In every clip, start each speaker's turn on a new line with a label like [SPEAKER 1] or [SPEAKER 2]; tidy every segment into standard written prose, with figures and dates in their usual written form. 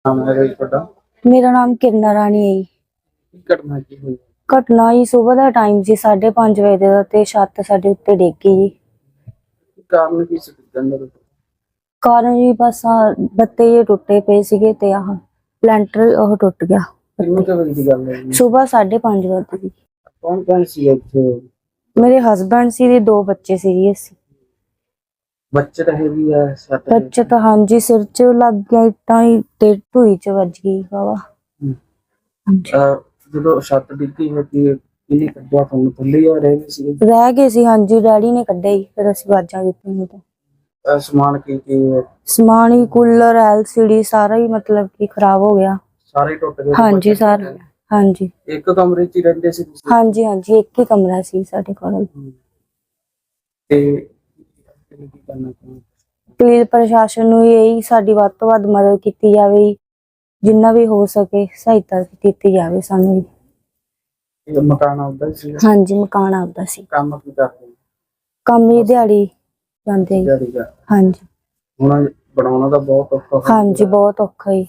[SPEAKER 1] ਨਾਮ ਹੈ ਜੀ ਤੁਹਾਡਾ?
[SPEAKER 2] ਮੇਰਾ ਨਾਮ ਕਿਰਨਾ ਰਾਣੀ ਹੈ ਜੀ।
[SPEAKER 1] ਕੀ ਘਟਨਾ ਕੀ ਹੋਈ?
[SPEAKER 2] ਘਟਨਾ ਜੀ ਸਵੇਰ ਦਾ ਟਾਈਮ ਸੀ 5:30 ਵਜੇ ਦਾ ਤੇ ਛੱਤ ਸਾਡੇ ਉੱਤੇ ਡਿੱਗ ਗਈ ਜੀ।
[SPEAKER 1] ਕਾਰਨ ਕੀ ਸੀ ਡਿੱਗਣ ਦਾ?
[SPEAKER 2] ਕਾਰਨ ਜੀ ਬਸ ਬੱਤੇ ਜੇ ਟੁੱਟੇ ਪਏ ਸੀਗੇ ਤੇ ਆਹ ਲੈਂਟਰ ਉਹ ਟੁੱਟ ਗਿਆ।
[SPEAKER 1] ਕਿੰਨੇ ਕੁ ਵਜੇ ਦੀ ਗੱਲ ਹੈ ਜੀ?
[SPEAKER 2] ਸਵੇਰ 5:30 ਵਜੇ ਦੀ।
[SPEAKER 1] ਕੌਣ ਕੌਣ ਸੀ ਇੱਥੇ?
[SPEAKER 2] ਮੇਰੇ ਹਸਬੈਂਡ ਸੀ ਤੇ 2 ਬੱਚੇ ਸੀਗੇ ਅਸੀਂ।
[SPEAKER 1] ਬੱਚੇ ਤਾਂ ਹੈਗੀ ਆ ਸੱਟ?
[SPEAKER 2] ਬੱਚੇ ਤਾਂ ਹਾਂਜੀ ਸਿਰ 'ਚ ਲੱਗ ਗਿਆ ਇੱਟਾਂ ਹੀ ਤੇ ਢੂਈ 'ਚ ਵੱਜ ਗਈ ਵਾਵਾ।
[SPEAKER 1] ਜਦੋਂ ਛੱਤ ਡਿੱਗੀ ਹੈ ਕਿ ਕਿੰਨੀ ਕੱਢਿਆ ਤੁਹਾਨੂੰ? ਥੱਲੇ ਆ ਰਹੇ ਸੀ?
[SPEAKER 2] ਰਹਿ ਗਏ ਸੀ ਹਾਂਜੀ, ਡੈਡੀ ਨੇ ਕੱਢਿਆ ਜੀ ਫਿਰ ਅਸੀਂ ਵਾਜਾਂ ਦਿੱਤੀਆਂ ਤਾਂ।
[SPEAKER 1] ਸਮਾਨ ਕੀ ਹੈ?
[SPEAKER 2] ਸਮਾਨ ਹੀ ਕੂਲਰ LCD ਸਾਰਾ ਹੀ ਮਤਲਬ ਕਿ ਖਰਾਬ ਹੋ ਗਿਆ।
[SPEAKER 1] ਸਾਰੇ ਟੁੱਟ ਗਏ?
[SPEAKER 2] ਹਾਂਜੀ ਸਾਰਾ ਹਾਂਜੀ।
[SPEAKER 1] ਇੱਕ ਕਮਰੇ 'ਚ ਹੀ ਰਹਿੰਦੇ ਸੀ ਤੁਸੀਂ?
[SPEAKER 2] ਹਾਂਜੀ ਹਾਂਜੀ, ਇੱਕ ਹੀ ਕਮਰਾ ਸੀ ਸਾਡੇ ਕੋਲ।
[SPEAKER 1] ਤੇ ਕੀ ਕਰਨਾ ਚਾਹੁੰਦੇ?
[SPEAKER 2] ਪਲੀਜ਼ ਪ੍ਰਸ਼ਾਸਨ ਨੂੰ ਇਹੀ ਸਾਡੀ ਵੱਧ ਤੋਂ ਵੱਧ ਮਦਦ ਕੀਤੀ ਜਾਵੇ, ਜਿੰਨਾ ਵੀ ਹੋ ਸਕੇ ਸਹਾਇਤਾ ਕੀਤੀ ਜਾਵੇ ਸਾਨੂੰ।
[SPEAKER 1] ਇਹ ਮਕਾਨ ਆਉਂਦਾ ਸੀ?
[SPEAKER 2] ਹਾਂਜੀ ਮਕਾਨ ਆਪਦਾ ਸੀ।
[SPEAKER 1] ਕੰਮ ਕੀ ਕਰਦੇ?
[SPEAKER 2] ਕੰਮ ਹੀ ਦਿਹਾੜੀ ਜਾਂਦੇ ਜੀ।
[SPEAKER 1] ਦਿਹਾੜੀ ਦਾ?
[SPEAKER 2] ਹਾਂਜੀ।
[SPEAKER 1] ਹੁਣ ਬਣਾਉਣਾ ਤਾਂ ਬਹੁਤ ਔਖਾ ਹੋ
[SPEAKER 2] ਹਾਂਜੀ ਬਹੁਤ ਔਖਾ ਹੀ।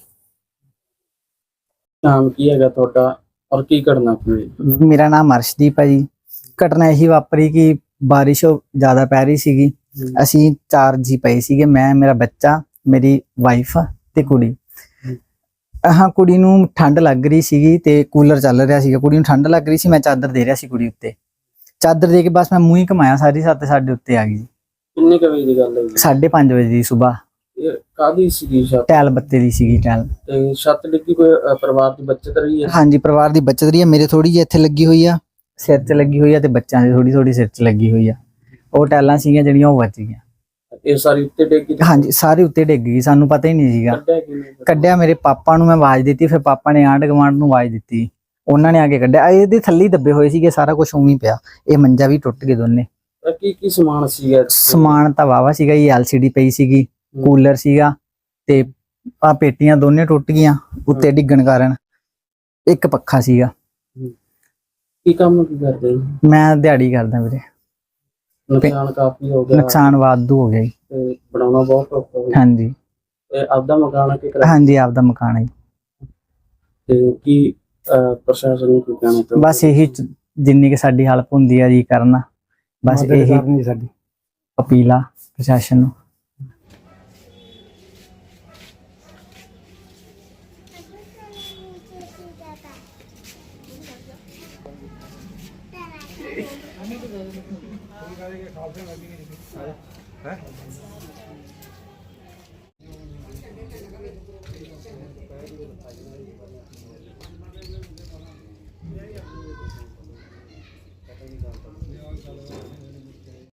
[SPEAKER 1] ਨਾਮ ਕੀ ਹੈਗਾ ਤੁਹਾਡਾ ਔਰ ਕੀ ਕਰਨਾ ਪਈ?
[SPEAKER 3] ਮੇਰਾ ਨਾਮ ਅਰਸ਼ਦੀਪ ਹੈ ਜੀ। ਘਟਨਾ ਇਹੀ ਵਾਪਰੀ ਕਿ ਬਾਰਿਸ਼ ਜ਼ਿਆਦਾ ਪੈ ਰਹੀ ਸੀਗੀ। ਅਸੀਂ 4 ਜੀ ਪਏ ਸੀਗੇ, ਮੈਂ, ਮੇਰਾ ਬੱਚਾ, ਮੇਰੀ ਵਾਈਫ ਤੇ ਕੁੜੀ। ਹਾਂ, ਕੁੜੀ ਨੂੰ ਠੰਡ ਲੱਗ ਰਹੀ ਸੀਗੀ ਤੇ ਕੂਲਰ ਚੱਲ ਰਿਹਾ ਸੀਗਾ। ਕੁੜੀ ਨੂੰ ਠੰਡ ਲੱਗ ਰਹੀ ਸੀ, ਮੈਂ ਚਾਦਰ ਦੇ ਰਿਹਾ ਸੀ ਕੁੜੀ ਉੱਤੇ। ਚਾਦਰ ਦੇ ਕੇ ਬਸ ਮੈਂ ਮੂੰਹ ਹੀ ਘਮਾਇਆ, ਸਾਰੀ ਛੱਤ ਸਾਡੇ ਉੱਤੇ ਆ ਗਈ।
[SPEAKER 1] ਕਿੰਨੇ ਕੁ ਵਜੇ ਦੀ ਗੱਲ ਹੈ?
[SPEAKER 3] 5:30 ਵਜੇ ਦੀ ਸੁਬਾਹ।
[SPEAKER 1] ਇਹ ਕਾਹਦੀ ਸੀਗੀ ਛੱਤ?
[SPEAKER 3] ਟੈਲ ਬੱਤੇ ਦੀ ਸੀਗੀ ਟੈਲ।
[SPEAKER 1] ਤੇ ਛੱਤ ਡਿੱਗੀ ਕੋਈ ਪਰਿਵਾਰ ਦੀ ਬੱਚਤ ਰਹੀ ਹੈ?
[SPEAKER 3] ਹਾਂਜੀ, ਪਰਿਵਾਰ ਦੀ ਬੱਚਤ ਰਹੀ ਹੈ। ਮੇਰੇ ਥੋੜੀ ਜਿਹੀ ਇੱਥੇ ਲੱਗੀ ਹੋਈ ਆ, ਸਿਰ 'ਚ ਲੱਗੀ ਹੋਈ ਆ, ਤੇ ਬੱਚਿਆਂ ਦੀ ਥੋੜੀ ਥੋੜੀ ਸਿਰ 'ਚ ਲੱਗੀ ਹੋਈ ਆ। ਉਹ ਟੈਲਾਂ ਸੀਗੀਆਂ ਜਿਹੜੀਆਂ ਉਹ ਵੱਜ ਗਈਆਂ।
[SPEAKER 1] ਇਹ ਸਾਰੀ ਉੱਤੇ ਡਿੱਗੀ?
[SPEAKER 3] ਹਾਂਜੀ, ਸਾਰੇ ਉੱਤੇ ਡਿੱਗ ਗਈ, ਸਾਨੂੰ ਪਤਾ ਹੀ ਨਹੀਂ ਸੀਗਾ। ਕੱਢਿਆ ਮੇਰੇ ਪਾਪਾ ਨੂੰ, ਮੈਂ ਆਵਾਜ਼ ਦਿੱਤੀ, ਫਿਰ ਪਾਪਾ ਨੇ ਆਂਢ ਗੁਆਂਢ ਨੂੰ ਆਵਾਜ਼ ਦਿੱਤੀ, ਉਹਨਾਂ ਨੇ ਆ ਕੇ ਕੱਢਿਆ। ਇਹਦੇ ਥੱਲੇ ਦੱਬੇ ਹੋਏ ਸੀਗੇ, ਸਾਰਾ ਕੁਝ ਉਵੇਂ ਹੀ ਪਿਆ। ਇਹ ਮੰਜਾ ਵੀ ਟੁੱਟ ਗਏ ਦੋਨੇ।
[SPEAKER 1] ਕੀ ਕੀ ਸਮਾਨ ਸੀਗਾ?
[SPEAKER 3] ਸਮਾਨ ਤਾਂ ਵਾਵਾ ਸੀਗਾ ਜੀ, LCD ਪਈ ਸੀਗੀ, ਕੂਲਰ ਸੀਗਾ, ਤੇ ਆ ਪੇਟੀਆਂ ਦੋਨੇ ਟੁੱਟ ਗਈਆਂ ਉੱਤੇ ਡਿੱਗਣ ਕਾਰਨ। ਇੱਕ ਪੱਖਾ ਸੀਗਾ।
[SPEAKER 1] ਕੀ ਕੰਮ ਕੀ ਕਰਦੇ?
[SPEAKER 3] ਮੈਂ ਦਿਹਾੜੀ ਕਰਦਾ ਵੀਰੇ।
[SPEAKER 1] ਨੁਕਸਾਨ ਕਾਫੀ ਹੋ ਗਿਆ?
[SPEAKER 3] ਨੁਕਸਾਨ ਵਾਧੂ ਹੋ ਗਿਆ ਜੀ।
[SPEAKER 1] ਤੇ ਬਣਾਉਣਾ ਬਹੁਤ ਔਖਾ ਹੋਇਆ?
[SPEAKER 3] ਹਾਂਜੀ।
[SPEAKER 1] ਤੇ ਆਪਦਾ ਮਕਾਨ ਹੈ ਕਿ ਕਿਰਾਏ?
[SPEAKER 3] ਹਾਂਜੀ, ਆਪਦਾ ਮਕਾਨ ਹੈ ਜੀ।
[SPEAKER 1] ਤੇ ਕੀ ਪ੍ਰਸ਼ਾਸਨ ਨੂੰ ਕੀ ਕਹਿਣਾ ਚਾਹੁੰਦੇ?
[SPEAKER 3] ਬਸ ਇਹੀ ਜਿੰਨੀ ਕਿ ਸਾਡੀ ਹੈਲਪ ਹੁੰਦੀ ਆ ਜੀ ਕਰਨਾ, ਬਸ ਇਹੀ ਸਾਡੀ ਅਪੀਲ ਆ ਪ੍ਰਸ਼ਾਸਨ ਨੂੰ।